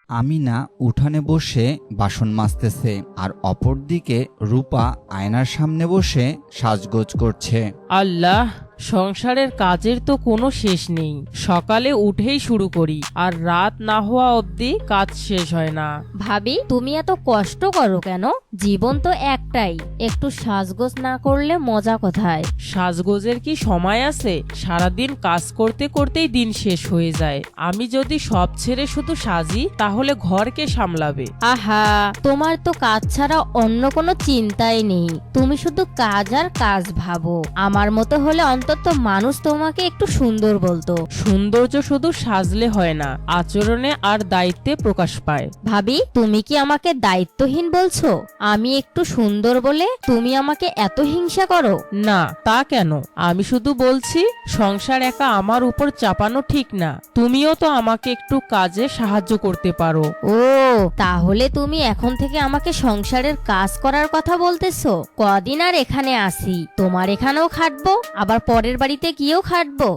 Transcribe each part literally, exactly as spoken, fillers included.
আমিনা উঠানে বসে বাসন মাজতেছে আর অপরদিকে রূপা আয়নার সামনে বসে সাজগোজ করছে। আল্লাহ, সংসারের কাজের তো কোনো শেষ নেই। সকালে উঠেই শুরু করি আর রাত না হওয়া অবধি কাজ শেষ হয় না। ভাবি, তুমি এত কষ্ট করো কেন? জীবন তো একটাই, একটু সাজগোজ না করলে মজা কোথায়? সাজগোজের কি সময় আছে? সারাদিন কাজ করতে করতেই দিন শেষ হয়ে যায়। আমি যদি সব ছেড়ে শুধু সাজি তাহলে ঘর কে সামলাবে? আহা, তোমার তো কাজ ছাড়া অন্য কোনো চিন্তাই নেই। তুমি শুধু কাজ আর কাজ ভাবো। আমার মতো হলে অন্তত মানুষ তোমাকে একটু সুন্দর বলতো। সৌন্দর্য শুধু সাজলে হয় না, আচরণে আর দায়িত্বে প্রকাশ পায়। ভাবি, তুমি কি আমাকে দায়িত্বহীন বলছো? আমি একটু সুন্দর বলে তুমি আমাকে এত হিংসা করো? না, তা কেন? আমি শুধু বলছি সংসার একা আমার উপর চাপানো ঠিক না। তুমিও তো আমাকে একটু কাজে সাহায্য করতে পারো। ও, তাহলে তুমি এখন থেকে আমাকে সংসারের কাজ করার কথা বলতেছো? কদিন আর এখানে আসি, তোমার এখানেও খাটবো, আবার পরের বাড়িতে গিয়েও খাটবো।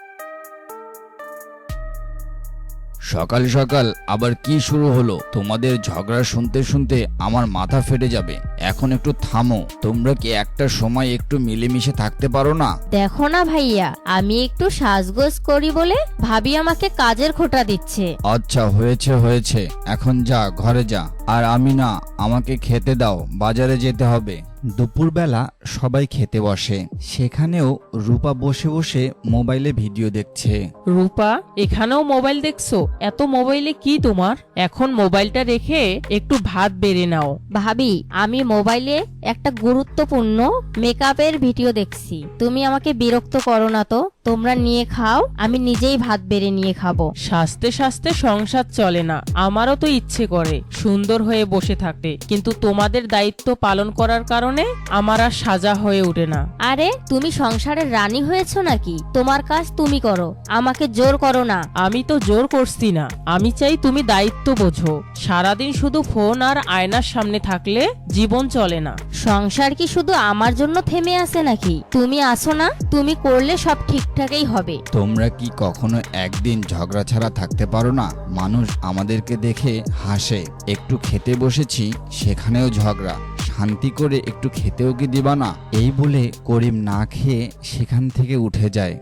সকাল সকাল আবার কি শুরু হলো? তোমাদের ঝগড়া শুনতে শুনতে আমার মাথা ফেটে যাবে। এখন একটু থামো। তোমরা কি একটা সময় একটু মিলেমিশে থাকতে পারো না? দেখো না ভাইয়া, আমি একটু সাজগোজ করি বলে ভাবি আমাকে কাজের খোঁটা দিচ্ছে। আচ্ছা, হয়েছে হয়েছে, এখন যা, ঘরে যা। আর আমি না, আমাকে খেতে দাও, বাজারে যেতে হবে। দুপুরবেলা সবাই খেতে বসে। সেখানেও রূপা বসে বসে মোবাইলে ভিডিও দেখছে। রূপা, এখানেও মোবাইল দেখছো? এত মোবাইলে কি তোমার? এখন মোবাইলটা রেখে একটু ভাত বেড়ে নাও। ভাবি, আমি মোবাইলে একটা গুরুত্বপূর্ণ মেকআপের ভিডিও দেখছি। তুমি আমাকে বিরক্ত করো না তো। তোমরা নিয়ে খাও, আমি নিজেই ভাত বেড়ে নিয়ে খাবো। সাজতে সাজতে সংসার চলে না। আমারও তো ইচ্ছে করে সুন্দর হয়ে বসে থাকতে, কিন্তু তোমাদের দায়িত্ব পালন করার কারণে আমার আর সাজা হয়ে ওঠে না। আরে, তুমি সংসারের রানী হয়েছো নাকি? তোমার কাজ তুমি করো, আমাকে জোর করো না। আমি তো জোর করছি না, আমি চাই তুমি দায়িত্ব বোঝো। সারাদিন শুধু ফোন আর আয়নার সামনে থাকলে জীবন চলে না। সংসার কি শুধু আমার জন্য থেমে আছে নাকি? তুমি আসো না, তুমি করলে সব ঠিকঠাকই হবে। তোমরা কি কখনো একদিন ঝগড়া ছাড়া থাকতে পারো না? মানুষ আমাদেরকে দেখে হাসে। একটু খেতে বসেছি, সেখানেও ঝগড়া। শান্তি করে একটু খেতেও কি দিবা না? এই বলে করিম না খেয়ে সেখান থেকে উঠে যায়।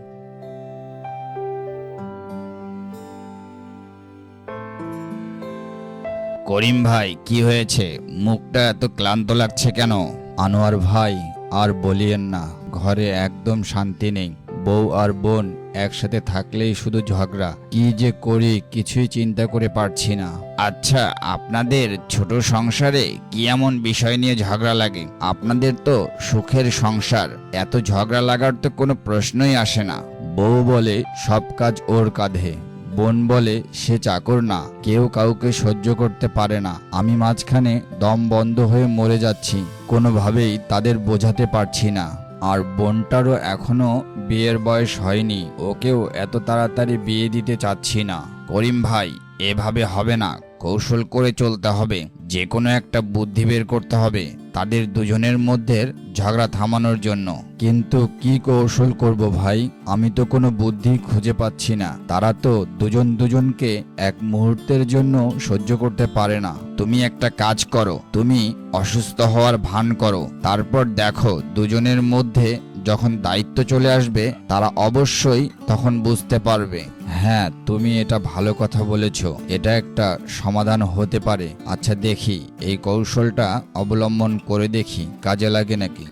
করিম ভাই, কি হয়েছে? মুখটা এত ক্লান্ত লাগছে কেন? আনোয়ার ভাই, আর বলিয়েন না, ঘরে একদম শান্তি নেই। বউ আর বোন একসাথে থাকলেই শুধু ঝগড়া। কি যে করি কিছুই চিন্তা করে পারছি না। আচ্ছা, আপনাদের ছোট সংসারে কি এমন বিষয় নিয়ে ঝগড়া লাগে? আপনাদের তো সুখের সংসার, এত ঝগড়া লাগার তো কোনো প্রশ্নই আসে না। বউ বলে সব কাজ ওর কাঁধে, বোন বলে সে চাকর না, কেউ কাউকে সহ্য করতে পারে না। আমি মাঝখানে দম বন্ধ হয়ে মরে যাচ্ছি, কোনোভাবেই তাদের বোঝাতে পারছি না। আর বোনটারও এখনো বিয়ের বয়স হয়নি, ওকেও এত তাড়াতাড়ি বিয়ে দিতে চাচ্ছি না। করিম ভাই, এভাবে হবে না, কৌশল করে চলতে হবে। যে কোনো একটা বুদ্ধি বের করতে হবে তাদের দুজনের মধ্যে ঝগড়া থামানোর জন্য। কিন্তু কি কৌশল করব ভাই? আমি তো কোনো বুদ্ধি খুঁজে পাচ্ছি না। তারা তো দুজন দুজনকে এক মুহূর্তের জন্য সহ্য করতে পারে না। তুমি একটা কাজ করো, তুমি অসুস্থ হওয়ার ভান করো, তারপর দেখো দুজনের মধ্যে যখন দায়িত্ব চলে আসবে তারা অবশ্যই তখন বুঝতে পারবে। হ্যাঁ, তুমি এটা ভালো কথা বলেছো, এটা একটা সমাধান হতে পারে। আচ্ছা দেখি, এই কৌশলটা অবলম্বন করে দেখি কাজে লাগে নাকি।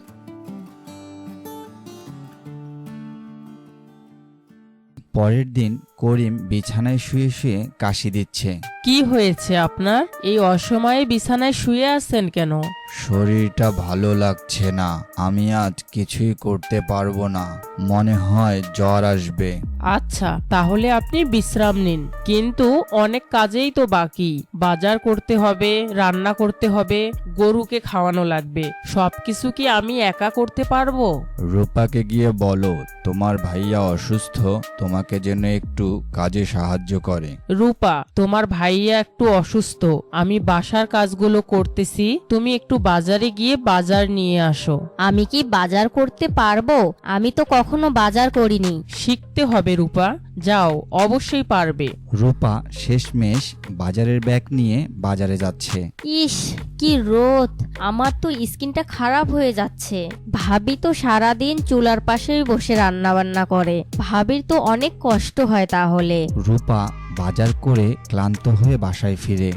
পরের দিন করিম বিছানায় শুয়ে শুয়ে কাশি দিচ্ছে। কি হয়েছে আপনার? এই অসময়ে বিছানায় শুয়ে আছেন কেন? শরীরটা ভালো লাগছে না, আমি আজ কিছুই করতে পারবো না, মনে হয় জ্বর আসবে। আচ্ছা, তাহলে আপনি বিশ্রাম নিন। কিন্তু অনেক কাজেই তো বাকি। বাজার করতে হবে, রান্না করতে হবে, গরুকে খাওয়ানো লাগবে। সবকিছু কি আমি একা করতে পারবো? রূপাকে গিয়ে বলো তোমার ভাইয়া অসুস্থ, তোমাকে যেন একটু কাজে সাহায্য করে। রূপা, তোমার ভাইয়া একটু অসুস্থ, আমি বাসার কাজগুলো করতেছি, তুমি একটু বাজারে গিয়ে বাজার নিয়ে আসো। আমি কি বাজার করতে পারবো? আমি তো কখনো বাজার করিনি। শিখতে হবে রূপা, যাও, অবশ্যই পারবে। রূপা শেষমেশ বাজারের ব্যাগ নিয়ে বাজারে যাচ্ছে। ইস, কি রোদ! আমার তো স্কিনটা খারাপ হয়ে যাচ্ছে। ভাবি তো সারাদিন চুলার পাশেই বসে রান্না বান্না করে। ভাবির তো অনেক কষ্ট হয় তাহলে। রূপা বাজার করে ক্লান্ত হয়ে বাসায় ফিরে।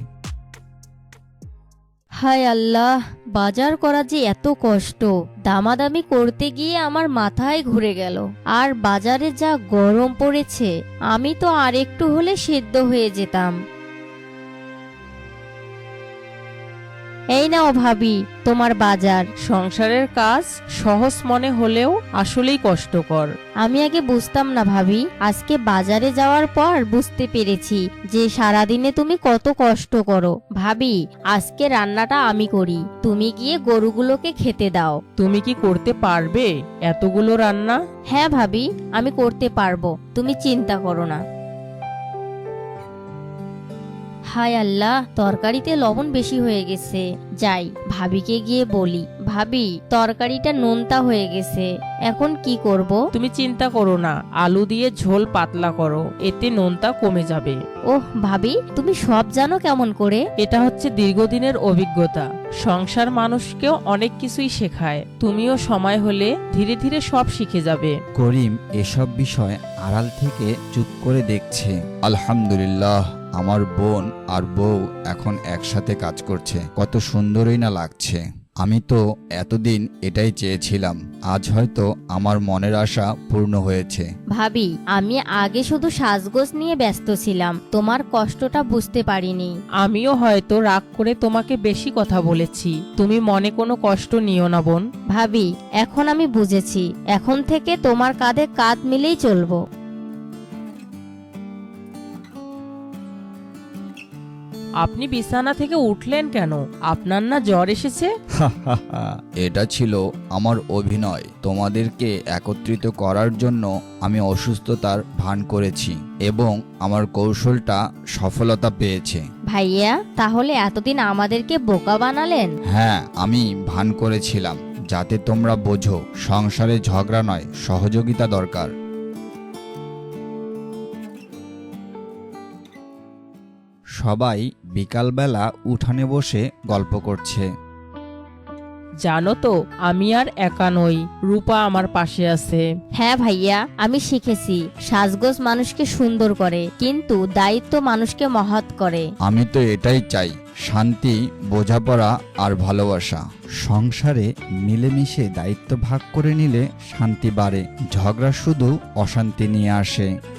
হায় আল্লাহ, বাজার করা যে এত কষ্ট! দামাদামি করতে গিয়ে আমার মাথায় ঘুরে গেল। আর বাজারে যা গরম পড়েছে, আমি তো আর একটু হলে সেদ্ধ হয়ে যেতাম। এই নাও ভাবি, তোমার বাজার। সংসারের কাজ সহজ মনে হলেও আসলেই কষ্টকর। আমি আগে বুঝতাম না ভাবি, আজকে বাজারে যাওয়ার পর বুঝতে পেরেছি যে সারাদিনে তুমি কত কষ্ট করো। ভাবি, আজকে রান্নাটা আমি করি, তুমি গিয়ে গরুগুলোকে খেতে দাও। তুমি কি করতে পারবে এতগুলো রান্না? হ্যাঁ ভাবি, আমি করতে পারবো, তুমি চিন্তা করো না। হায় আল্লাহ, তরকারিতে লবণ বেশি হয়ে গেছে। যাই, ভাবিকে গিয়ে বলি, ভাবি তরকারিটা নোনতা হয়ে গেছে, এখন কি করব? তুমি চিন্তা করো না, আলু দিয়ে ঝোল পাতলা করো, এতে নোনতা কমে যাবে। ওহ ভাবি, তুমি সব জানো কেমন করে? এটা হচ্ছে দীর্ঘদিনের অভিজ্ঞতা। সংসার মানুষকেও অনেক কিছুই শেখায়। তুমিও সময় হলে ধীরে ধীরে সব শিখে যাবে। করিম এসব বিষয় আড়াল থেকে চুপ করে দেখছে। আলহামদুলিল্লাহ, আমার বোন আর বউ এখন একসাথে কাজ করছে, কত সুন্দরই না লাগছে। আমি তো এতদিন এটাই চেয়েছিলাম, আজ হয়তো আমার মনের আশা পূর্ণ হয়েছে। ভাবি, আমি আগে শুধু সাজগোজ নিয়ে ব্যস্ত ছিলাম, তোমার কষ্টটা বুঝতে পারিনি। আমিও হয়তো রাগ করে তোমাকে বেশি কথা বলেছি, তুমি মনে কোনো কষ্ট নিও না বোন। ভাবি, এখন আমি বুঝেছি, এখন থেকে তোমার কাঁধে কাঁধ মিলেই চলবো। আপনি বিছানা থেকে উঠলেন কেন? আপনার না জ্বর এসেছে? এটা ছিল আমার অভিনয়। তোমাদেরকে একত্রিত করার জন্য আমি অসুস্থতার ভান করেছি এবং আমার কৌশলটা সফলতা পেয়েছে। ভাইয়া, তাহলে এতদিন আমাদেরকে বোকা বানালেন? হ্যাঁ, আমি ভান করেছিলাম যাতে তোমরা বোঝো সংসারে ঝগড়া নয়, সহযোগিতা দরকার। সবাই বিকালবেলা উঠানে বসে গল্প করছে। জানো তো, আমি আর একা নই, রূপা আমার পাশে আছে। হ্যাঁ ভাইয়া, আমি শিখেছি সাজগোজ মানুষকে সুন্দর করে, কিন্তু দায়িত্ব মানুষকে মহৎ করে। আমি তো এটাই চাই, শান্তি, বোঝাপড়া আর ভালোবাসা। সংসারে মিলেমিশে দায়িত্ব ভাগ করে নিলে শান্তি বাড়ে, ঝগড়া শুধু অশান্তি নিয়ে আসে।